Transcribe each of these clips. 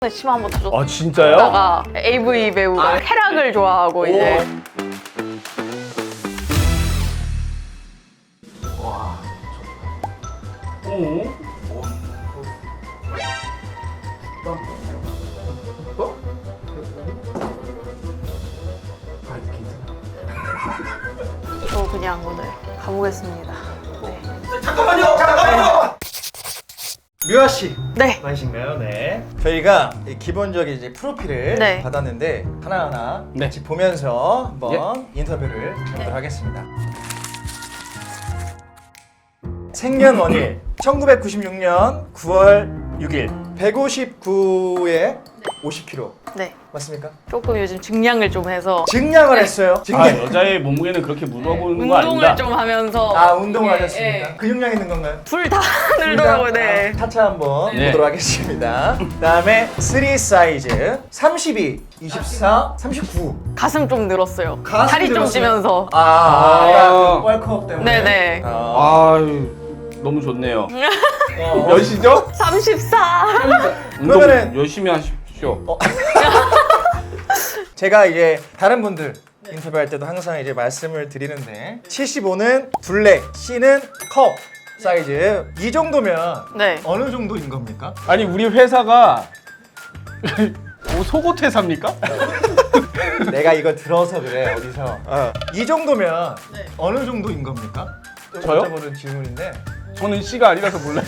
침 한번 터졌어. 아 진짜요? 다가 AV 배우가 쾌락을 좋아하고 이제 오. 저 그냥 오늘 가보겠습니다. 네. 잠깐만요. 묘아 씨 네. 맞으신가요? 네. 저희가 이 기본적인 이제 프로필을 네. 받았는데 하나하나 네. 같이 보면서 한번 인터뷰를 해보도록 하겠습니다. 생년월일 1996년 9월 6일 159에 50kg 네. 맞습니까? 조금 요즘 증량을 좀 해서 증량을 했어요. 아 증량. 여자의 몸무게는 그렇게 물어보는 거 아닙니다. 운동을 좀 하면서 아 운동을 예, 하셨습니까? 예. 근육량 있는 건가요? 불 다 늘더라고요. 네. 차차 한번 네. 보도록 하겠습니다. 그다음에 3 사이즈 32, 24, 39. 가슴 좀 늘었어요. 가슴 살이 좀 늘었어요? 찌면서. 아. 월컵 때문에. 네네. 아유 너무 좋네요. 어. 몇이죠? 34. 운동 그러면은- 열심히 하십시오. 제가 이제 다른 분들 인터뷰할 때도 항상 이제 말씀을 드리는데 75는 블랙, C는 컵 사이즈. 이 정도면 네. 어느 정도인 겁니까? 아니 우리 회사가 뭐 속옷 회사입니까? 내가 이거 들어서 그래 어디서. 이 정도면 어느 정도인 겁니까? 저요? 여쭤보는 질문인데. 저는 C가 아니라서 몰라요.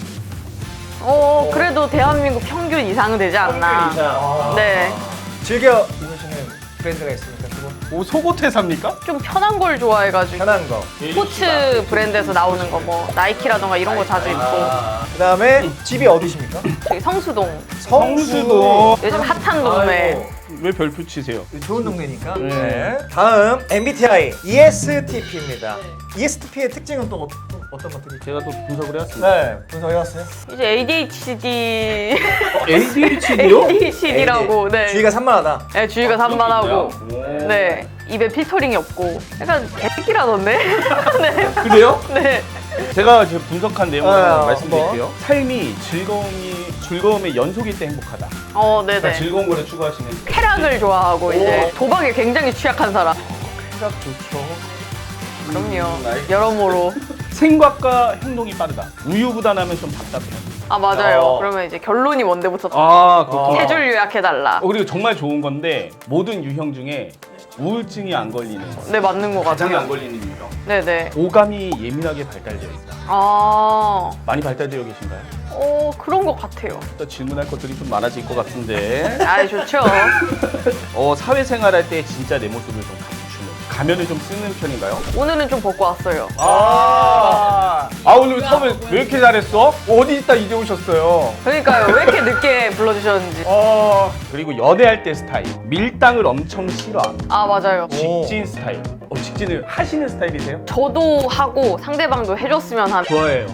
그래도 대한민국 평균 이상은 되지 않나. 네. 즐겨 입으시는 브랜드가 있습니까? 그거? 뭐 속옷 회사입니까? 좀 편한 걸 좋아해가지고. 편한 거. 스포츠 브랜드에서 나오는 거 뭐 나이키라던가 이런 거 자주 입고. 그다음에 집이 어디십니까? 저기 성수동. 성수도. 요즘 핫한 동네. 아이고, 왜 별표 치세요? 좋은 동네니까. 네. 네. 다음 MBTI ESTP입니다. ESTP의 특징은 또 어떤 것들이? 제가 또 분석을 해왔습니다. 네, 분석해왔어요. 이제 ADHD. ADHD요? ADHD라고. 네. 주의가 산만하다. 네, 주의가 산만하고. 네. 네. 입에 필터링이 없고. 약간 개새끼라던데? 네. 그래요? 네. 제가 제 분석한 내용을 아, 말씀드릴게요. 삶이 즐거움의 연속일 때 행복하다. 네네. 그러니까 즐거운 거를 추구하시는. 쾌락을 좋아하고 이제 도박에 굉장히 취약한 사람. 생각 좋죠. 그럼요. 나이스. 여러모로. 생각과 행동이 빠르다. 우유부단하면 좀 답답해요. 아 맞아요. 어. 그러면 이제 결론이 뭔데부터 아, 그렇구나. 세 줄 요약해달라. 그리고 정말 좋은 건데 모든 유형 중에 우울증이 안 걸리는 네 맞는 것 가장 같아요. 안 걸리는 유형. 네네. 오감이 예민하게 발달되어 있다. 아, 많이 발달되어 계신가요? 그런 것 같아요. 또 질문할 것들이 좀 많아질 것 같은데. 아 좋죠. 사회생활할 때 진짜 내 모습을 좀 감추는. 가면을 좀 쓰는 편인가요? 오늘은 좀 벗고 왔어요. 오늘 처음에 왜 이렇게 잘했어? 어디 있다 이제 오셨어요? 그러니까요. 왜 이렇게 늦게 불러주셨는지. 그리고 연애할 때 스타일. 밀당을 엄청 싫어합니다. 아 맞아요. 직진 스타일. 직진을 하시는 스타일이세요? 저도 하고 상대방도 해줬으면 하는. 좋아해요.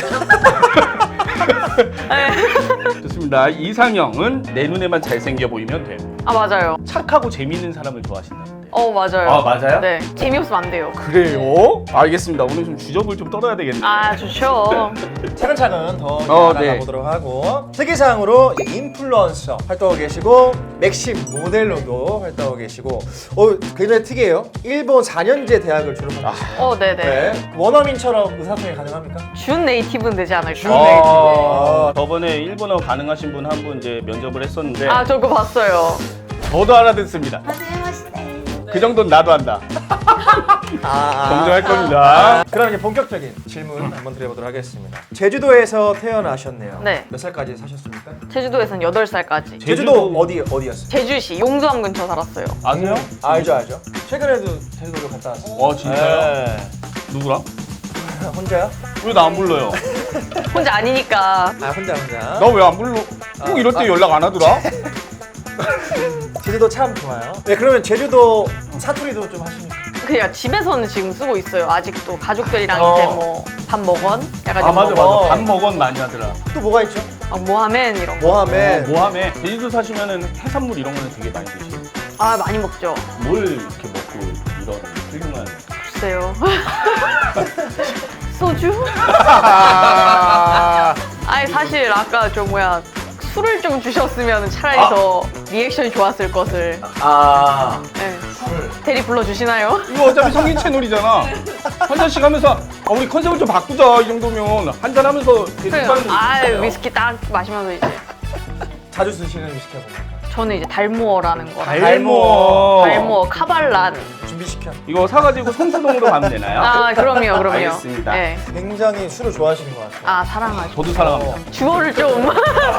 좋습니다. 이상형은 내 눈에만 잘생겨 보이면 돼. 아 맞아요. 착하고 재밌는 사람을 좋아하신다. 맞아요. 아, 맞아요? 네. 재미없으면 안 돼요. 그래요? 알겠습니다. 오늘 좀 주접을 좀 떨어야 되겠네요. 아 좋죠. 차근차근 더 네. 알아가보도록 하고 특이사항으로 이제 인플루언서 활동하고 계시고 맥심 모델로도 활동하고 계시고 굉장히 특이해요. 일본 4년제 대학을 졸업하셨어요. 네네. 네. 원어민처럼 의사소통이 가능합니까? 준 네이티브는 되지 않을까? 준 네이티브. 저번에 일본어 가능하신 분 한 분 이제 면접을 했었는데 아 저 그거 봤어요. 저도 알아듣습니다. 그 정도는 나도 한다. 정정할 겁니다. 그럼 이제 본격적인 질문 한번 드려보도록 하겠습니다. 제주도에서 태어나셨네요. 네. 몇 살까지 사셨습니까? 제주도에서는 8살까지. 제주도 어디였어요? 제주시 용두암 근처 살았어요. 아세요? 알죠. 최근에도 제주도를 갔다 왔어요. 진짜요? 네. 누구랑? 혼자요? 왜 나 안 불러요? 혼자 아니니까. 혼자. 나 왜 안 불러? 꼭 이럴 때 연락 안 하더라? 제주도 참 좋아요. 네, 그러면 제주도 사투리도 좀 하십니까? 그냥 집에서는 지금 쓰고 있어요. 아직도 가족들이랑 이제 뭐 밥 먹은? 약간 좀 맞아. 먹은? 밥 먹은 많이 하더라. 또 뭐가 있죠? 모하멘 이런 거. 모하멘. 모함에 제주도 사시면은 해산물 이런 거는 되게 많이 드시고 아 많이 먹죠. 뭘 이렇게 먹고 이런 훌륭한 글쎄요. 소주? 아니 사실 아까 술을 좀 주셨으면 차라리 더 리액션이 좋았을 것을. 아, 네. 술. 대리 불러주시나요? 이거 어차피 성인 채널이잖아. 한 잔씩 하면서 우리 컨셉을 좀 바꾸자. 이 정도면 한 잔 하면서 그래요. 위스키 딱 마시면서 이제. 자주 드시는 위스키가 뭡니까? 저는 이제 달모어라는 거. 달모어. 카발란. 준비시켜. 이거 사가지고 성수동으로 가면 되나요? 아, 그럼요. 알겠습니다. 네. 굉장히 술을 좋아하시는 것 같아요. 아, 사랑하죠. 저도 사랑합니다. 주어를 좀.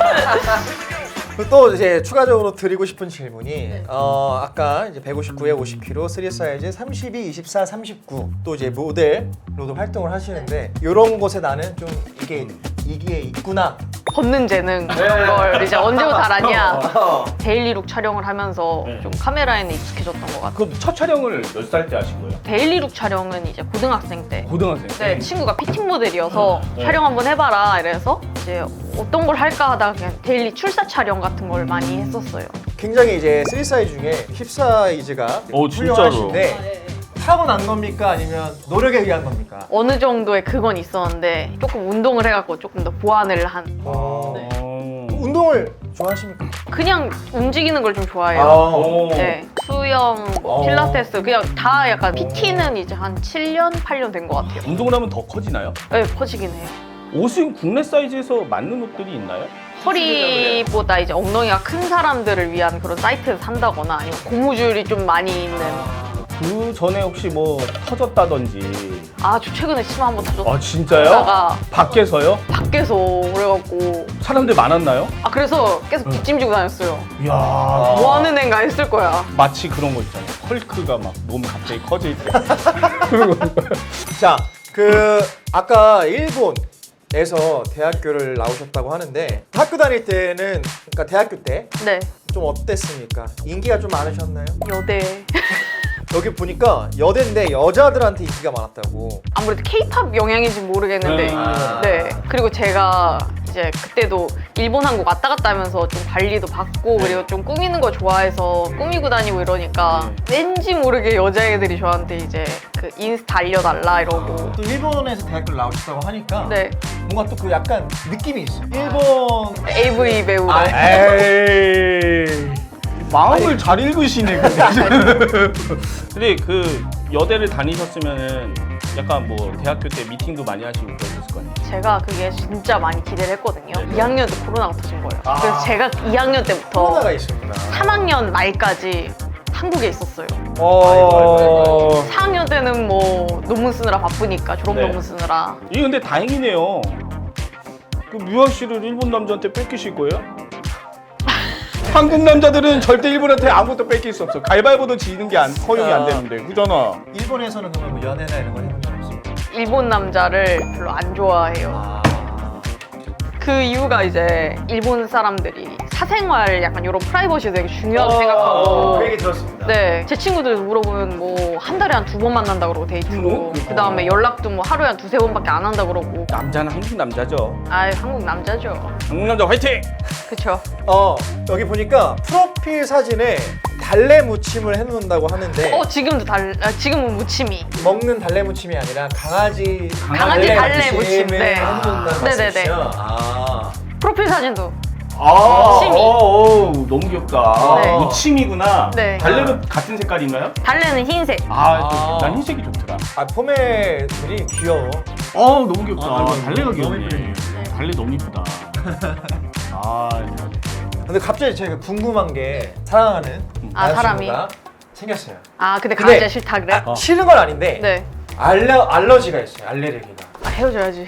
또 이제 추가적으로 드리고 싶은 질문이 아까 이제 159에 50kg 3 사이즈 32, 24, 39 또 이제 모델로도 활동을 하시는데 이런 곳에 나는 좀 이게 있구나. 걷는 재능 그런 걸 이제 언제부터 알았냐. 데일리룩 촬영을 하면서 네. 좀 카메라에는 익숙해졌던 것 같아요. 그럼 첫 촬영을 몇 살 때 하신 거예요? 데일리룩 촬영은 이제 고등학생 때. 고등학생. 네, 친구가 피팅 모델이어서 네. 촬영 한번 해봐라 이래서 이제 어떤 걸 할까 하다가 그냥 데일리 출사 촬영 같은 걸 많이 했었어요. 굉장히 이제 3 사이즈 중에 힙 사이즈가 진짜로? 훌륭하신데 타고난 겁니까 아니면 노력에 의한 겁니까? 어느 정도의 그건 있었는데 조금 운동을 해갖고 조금 더 보완을 한. 네. 어. 운동을 좋아하십니까? 그냥 움직이는 걸 좀 좋아해요. 오. 네, 수영, 뭐 필라테스 그냥 다 약간 PT는 이제 한 7년, 8년 된 것 같아요. 운동을 하면 더 커지나요? 네, 커지긴 해요. 옷은 국내 사이즈에서 맞는 옷들이 있나요? 허리보다 이제 엉덩이가 큰 사람들을 위한 그런 사이트에서 산다거나 아니면 고무줄이 좀 많이 있는. 그 전에 혹시 뭐 터졌다든지. 아, 저 최근에 치마 한번 터졌다가 아 진짜요? 밖에서요? 밖에서 그래갖고 사람들 많았나요? 아 그래서 계속 뒷짐지고 다녔어요. 이야. 뭐 하는 애인가 했을 거야. 마치 그런 거 있잖아요. 헐크가 막 몸이 갑자기 커질 때. 그런 거. 자, 아까 일본에서 대학교를 나오셨다고 하는데 학교 다닐 때는 그러니까 대학교 때 좀 네, 어땠습니까? 인기가 좀 많으셨나요? 여대. 여기 보니까 여대인데 여자들한테 인기가 많았다고. 아무래도 K-팝 영향인지 모르겠는데 네. 네. 그리고 제가 이제 그때도 일본 한국 왔다 갔다 하면서 좀 관리도 받고 그리고 좀 꾸미는 거 좋아해서 꾸미고 다니고 이러니까 왠지 모르게 여자애들이 저한테 이제 그 인스타 알려달라 이러고. 또 일본에서 대학교를 나오셨다고 하니까 네, 뭔가 또 그 약간 느낌이 있어. 일본 AV 배우. 에이. 마음을 잘 읽으시네. 근데 그 여대를 다니셨으면은 약간 뭐 대학교 때 미팅도 많이 하시고 그러셨을 거 아니에요? 제가 그게 진짜 많이 기대를 했거든요. 네. 2학년 때 코로나가 터진 거예요. 그래서 제가 2학년 때부터 코로나가 있었구나. 3학년 말까지 한국에 있었어요. 아이고. 4학년 때는 뭐 논문 쓰느라 바쁘니까 졸업 네. 논문 쓰느라. 이게 근데 다행이네요. 그 뮤아 씨를 일본 남자한테 뺏기실 거예요? 한국 남자들은 절대 일본한테 아무것도 뺏길 수 없어. 가위바위보도 지는 게 허용이 안 되는데, 그잖아. 일본에서는 그러면 뭐 연애나 이런 걸 해본 적 없어요? 일본 남자를 별로 안 좋아해요. 아. 그 이유가 이제 일본 사람들이 사생활 약간 이런 프라이버시 되게 중요하게 생각하고. 그 얘기 들었습니다. 네, 제 친구들 물어보면 뭐 한 달에 한 2번 만난다 그러고 데이트로. 그 다음에 연락도 뭐 하루에 한 2-3번밖에 안 한다 그러고. 남자는 한국 남자죠. 아, 한국 남자죠. 한국 남자 화이팅! 그쵸. 여기 보니까 프로필 사진에 달래 무침을 해놓는다고 하는데 지금은 무침이. 먹는 달래 무침이 아니라 강아지 달래 무침, 네. 해놓는다는 네네네. 말씀이시죠? 아. 프로필 사진도. 무침이. 너무 귀엽다. 네. 무침이구나. 네. 달래도 같은 색깔인가요? 달래는 흰색. 난 흰색이 좋더라. 포메들이 귀여워. 너무 귀엽다. 달래가 너무 귀엽네. 이쁘네. 달래 너무 이쁘다. 근데 갑자기 제가 궁금한 게 사랑하는 남자친구가 생겼어요. 아, 근데 근데- 강아지가 싫다 그래? 싫은 건 아닌데 네. 알러지가 있어요. 알레르기가. 아, 헤어져야지.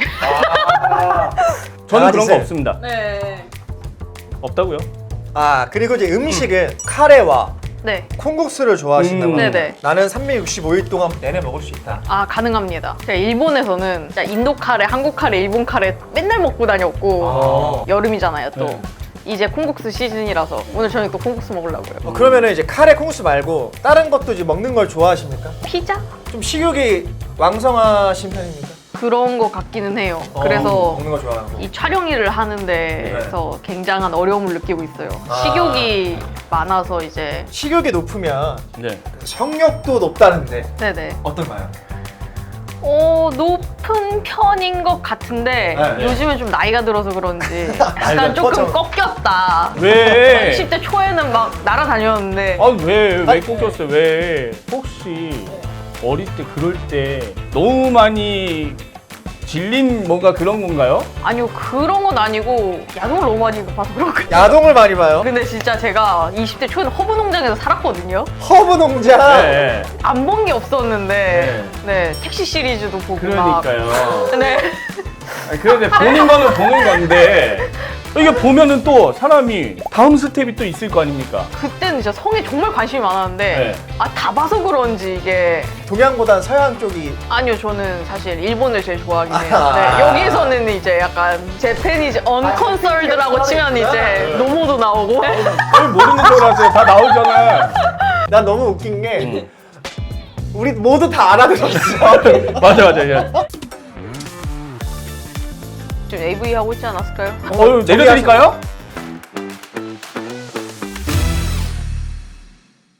저는 그런 거 강아지 없습니다. 네. 없다고요? 그리고 이제 음식은 카레와 네. 콩국수를 좋아하신다고 합니다. 네네. 나는 365일 동안 내내 먹을 수 있다. 아, 가능합니다. 제가 일본에서는 진짜 인도 카레, 한국 카레, 일본 카레 맨날 먹고 다녔고 여름이잖아요 또. 네. 이제 콩국수 시즌이라서 오늘 저녁 또 콩국수 먹으려고요. 그러면은 이제 카레 콩국수 말고 다른 것도 이제 먹는 걸 좋아하십니까? 피자? 좀 식욕이 왕성하신 편입니까? 그런 거 같기는 해요. 그래서 먹는 거 좋아하고. 이 촬영 일을 하는 데서 굉장한 어려움을 느끼고 있어요. 식욕이 많아서 이제. 식욕이 높으면 네. 성욕도 높다는데 네네. 어떤가요? 높은 편인 것 같은데 네. 요즘엔 좀 나이가 들어서 그런지 약간 아니, 조금 퍼져. 꺾였다. 왜? 10대 초에는 막 날아다녔는데 왜 꺾였어요? 왜? 혹시 어릴 때 그럴 때 너무 많이 질린 뭔가 그런 건가요? 아니요 그런 건 아니고 야동을 너무 많이 봐서 그렇거든요. 야동을 많이 봐요. 근데 진짜 제가 20대 초에는 허브 농장에서 살았거든요. 허브 농장. 네. 안 본 게 없었는데 네 택시 시리즈도 보고 그러니까요. 막 네. 그런데 보는 거는 보는 건데 이게 보면은 또 사람이 다음 스텝이 또 있을 거 아닙니까? 그때는 진짜 성에 정말 관심이 많았는데 네. 다 봐서 그런지 이게 동양보단 서양 쪽이 아니요 저는 사실 일본을 제일 좋아하긴 해요. 아. 네, 여기서는 이제 약간 제페니즈 언컨설드라고 치면 이제 노모도 나오고 왜 모르는 줄 알았어요. 다 나오잖아. 난 너무 웃긴 게 우리 모두 다 알아들었어. 맞아. 지금 AV 하고 있지 않았을까요? 내려드릴까요?